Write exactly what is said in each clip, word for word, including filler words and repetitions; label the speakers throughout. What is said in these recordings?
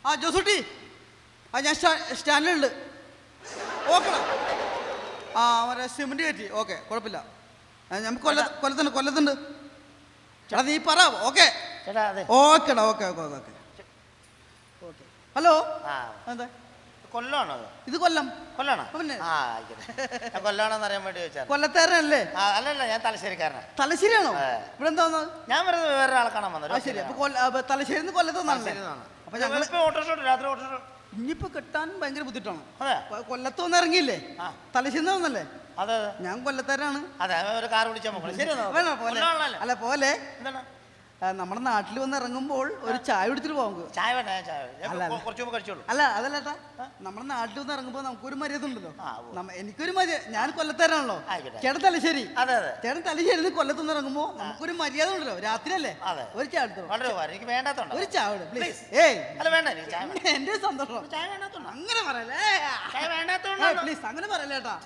Speaker 1: ആ ജോസൂട്ടി, ആ ഞാൻ സ്റ്റാൻഡിലുണ്ട്. ഓക്കെ. ആ മറ്റേ സിമെന്റ് കയറ്റി. ഓക്കെ, കുഴപ്പമില്ല. നമുക്ക് കൊല്ല കൊല്ലത്തുണ്ട് കൊല്ലത്തുണ്ട് ചേട്ടാ. നീ പറ. ഓക്കെ ഓക്കേടാ. Okay okay okay okay. Hello, എന്താ
Speaker 2: കൊല്ലമാണോ?
Speaker 1: ഇത് കൊല്ലം.
Speaker 2: കൊല്ലാണോ?
Speaker 1: പിന്നെ
Speaker 2: കൊല്ലാണോന്ന് അറിയാൻ വേണ്ടി ചോദിച്ചാൽ.
Speaker 1: കൊല്ലത്തേരനല്ലേ?
Speaker 2: അല്ലല്ല, ഞാൻ തലശ്ശേരിക്കാരനാണ്.
Speaker 1: തലശ്ശേരിയാണോ? ഇവിടെ എന്താ വന്നത്?
Speaker 2: ഞാൻ വെറുതെ വേറെ ആളെ കാണാൻ വന്നത്.
Speaker 1: ശരി. അപ്പൊ തലശ്ശേരി കൊല്ലത്തുനിന്നാണ്. അപ്പൊ ഞങ്ങൾ
Speaker 2: ഓട്ടോഷോ രാത്രി ഓട്ടോഷോ
Speaker 1: ഇനിയിപ്പോ കിട്ടാൻ ഭയങ്കര ബുദ്ധിമുട്ടാണ്.
Speaker 2: അതെ,
Speaker 1: കൊല്ലത്ത് വന്ന് ഇറങ്ങിയില്ലേ? തലശ്ശേരി വന്നല്ലേ?
Speaker 2: അതെ,
Speaker 1: ഞാൻ കൊല്ലത്തേരാണ്.
Speaker 2: അതെ, ഒരു കാർ വിളിച്ചാൽ
Speaker 1: അല്ല പോലെ നമ്മുടെ നാട്ടിൽ വന്ന് ഇറങ്ങുമ്പോൾ ഒരു ചായ കുടിച്ചിട്ട് പോകും.
Speaker 2: ചായ വേണ്ട, കുറച്ച് കഴിച്ചോളൂ.
Speaker 1: അല്ല അതല്ലേട്ടാ, നമ്മുടെ നാട്ടിൽ വന്ന് ഇറങ്ങുമ്പോൾ നമുക്കൊരു മര്യാദ ഉണ്ടല്ലോ. എനിക്കൊരു മര്യാദ. ഞാൻ കൊല്ലത്തേരാണല്ലോ, ചേട്ടൻ തലശ്ശേരി. ചേട്ടൻ തലശ്ശേരി കൊല്ലത്തുനിന്ന് ഇറങ്ങുമ്പോ നമുക്കൊരു മര്യാദ ഉണ്ടല്ലോ. രാത്രിയല്ലേ? ഒരു ചായ എടുത്തോ.
Speaker 2: എനിക്ക് വേണ്ടാത്തോണ്ട്
Speaker 1: ഒരു ചായ പ്ലീസ്. ഏയ് എന്റെ സന്തോഷം. അങ്ങനെ പറയല്ലേ പ്ലീസ്, അങ്ങനെ പറയല്ലേട്ടാ.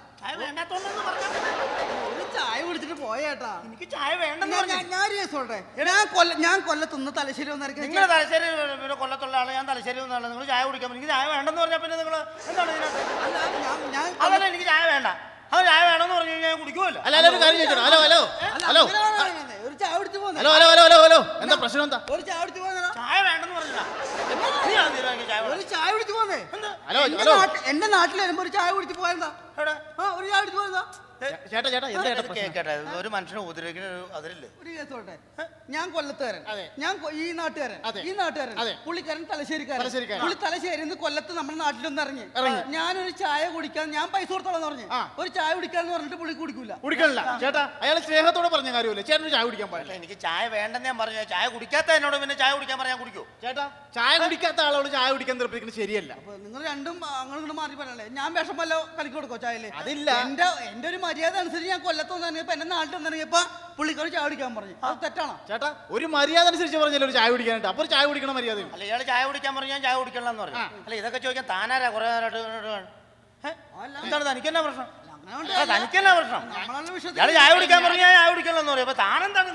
Speaker 1: ഒരു ചായ കുടിച്ചിട്ട് പോയേട്ടാ.
Speaker 2: എനിക്ക് ചായ വേണ്ടെന്ന്
Speaker 1: ഞാൻ കേസോട്ടെ. ഞാൻ കൊല്ല ഞാൻ കൊല്ലത്തുനിന്ന് തലശ്ശേരി വന്നിറങ്ങി.
Speaker 2: നിങ്ങൾ തലശ്ശേരി പിന്നെ കൊല്ലത്തുള്ള ആള്, ഞാൻ തലശ്ശേരി വന്ന ആള്. നിങ്ങൾ ചായ കുടിക്കാൻ എനിക്ക് ചായ വേണ്ടെന്ന് പറഞ്ഞാൽ പിന്നെ നിങ്ങൾ എന്താണ് ഇതിനകത്ത്? അതല്ല, എനിക്ക് ചായ വേണ്ട. അത് ചായ വേണമെന്ന് പറഞ്ഞു കഴിഞ്ഞാൽ ഞാൻ കുടിക്കുമല്ലോ.
Speaker 3: ഹലോ ഹലോ ഹലോ
Speaker 1: ഒരു ചായ കുടിച്ചു പോകുന്നത്.
Speaker 3: ഹലോ ഹലോ ഹലോ ഹലോ എന്താ പ്രശ്നം? എന്താ
Speaker 1: ഒരു ചായ കുടിച്ചു പോകുന്ന?
Speaker 2: ചായ വേണ്ടെന്ന് പറഞ്ഞാ
Speaker 1: ഒരു ചായ കുടിച്ചു പോന്നേ.
Speaker 3: ഹലോ ഹലോ
Speaker 1: എന്റെ നാട്ടിൽ വരുമ്പോ ഒരു ചായ കുടിച്ചു പോയെന്താ? ഒരു ചായ കുടിച്ചു പോയെന്താ?
Speaker 3: ചേട്ടാ ചേട്ടാ എന്താ
Speaker 2: കേട്ടെ, ഒരു മനുഷ്യനെ ഉപദ്രവിക്കുന്ന അതിരില്ലേ?
Speaker 1: ഒരു കേസോട്ടെ. ഞാൻ കൊല്ലത്തുകാരൻ, ഞാൻ ഈ നാട്ടുകാരൻ, ഈ നാട്ടുകാരൻ, പുള്ളിക്കാരൻ തലശ്ശേരിക്കാരൻ. പുള്ളി തലശ്ശേരി കൊല്ലത്ത് നമ്മുടെ നാട്ടിലൊന്ന് ഇറങ്ങി. ഞാനൊരു ചായ കുടിക്കാൻ ഞാൻ പൈസ കൊടുത്തോളാന്ന് പറഞ്ഞു. ഒരു ചായ കുടിക്കാന്ന് പറഞ്ഞിട്ട് പുള്ളി കുടിക്കൂല.
Speaker 3: കുടിക്കണില്ല ചേട്ടാ, അയാൾ സ്നേഹത്തോടെ പറഞ്ഞ കാര്യമല്ലേ. ചേട്ടന് ചായ കുടിക്കാൻ പാടില്ല.
Speaker 2: എനിക്ക് ചായ വേണ്ടെന്ന് ഞാൻ പറഞ്ഞു. ചായ കുടിക്കാത്ത എന്നോട് പിന്നെ ചായ കുടിക്കാൻ പറയാൻ കുടിക്കൂ?
Speaker 3: ചേട്ടാ, ചായ കുടിക്കാത്ത ആളോട് ചായ കുടിക്കാൻ നിർബന്ധിക്കുന്നത് ശരിയല്ല.
Speaker 1: അപ്പൊ നിങ്ങൾ രണ്ടും അങ്ങോട്ട് മാറി പറയല്ലേ. ഞാൻ വിഷം വല്ല കളിക്ക് കൊടുക്കോ ചായല്?
Speaker 3: അതില്ല.
Speaker 1: എന്റെ എന്റെ ഒരു മര്യാദ അനുസരിച്ച് ഞാൻ കൊല്ലത്ത് വന്നിറങ്ങിയപ്പോ എന്റെ നാട്ടിൽ വന്നിറങ്ങിയപ്പോ പുള്ളിക്കാർ ചായ കുടിക്കാൻ പറഞ്ഞു. അത് തെറ്റാണോ?
Speaker 3: ചേട്ടാ, ഒരു മര്യാദ അനുസരിച്ച് പറഞ്ഞല്ലോ ഒരു ചായ കുടിക്കാനായിട്ട്. അപ്പൊ ചായ കുടിക്കണം മര്യാദ.
Speaker 2: അല്ല, ഇയാൾ ചായ കുടിക്കാൻ പറഞ്ഞു, ഞാൻ ചായ കുടിക്കണം എന്ന് പറഞ്ഞു. അല്ല, ഇതൊക്കെ ചോദിക്കാൻ താനാരാ കുറെ നേരമായിട്ട്? എന്താണ് തനിക്കെന്നാ പ്രശ്നം? തനിക്കെന്നാ പ്രശ്നം? ഇയാൾ ചായ കുടിക്കാൻ പറഞ്ഞു, ഞാൻ ചായ കുടിക്കണം എന്ന് പറയും. അപ്പൊ താനെന്താണ്?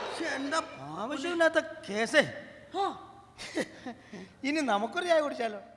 Speaker 2: ആവശ്യമില്ലാത്ത കേസേ. ഇനി നമുക്കൊരു ചായ കുടിച്ചാലോ?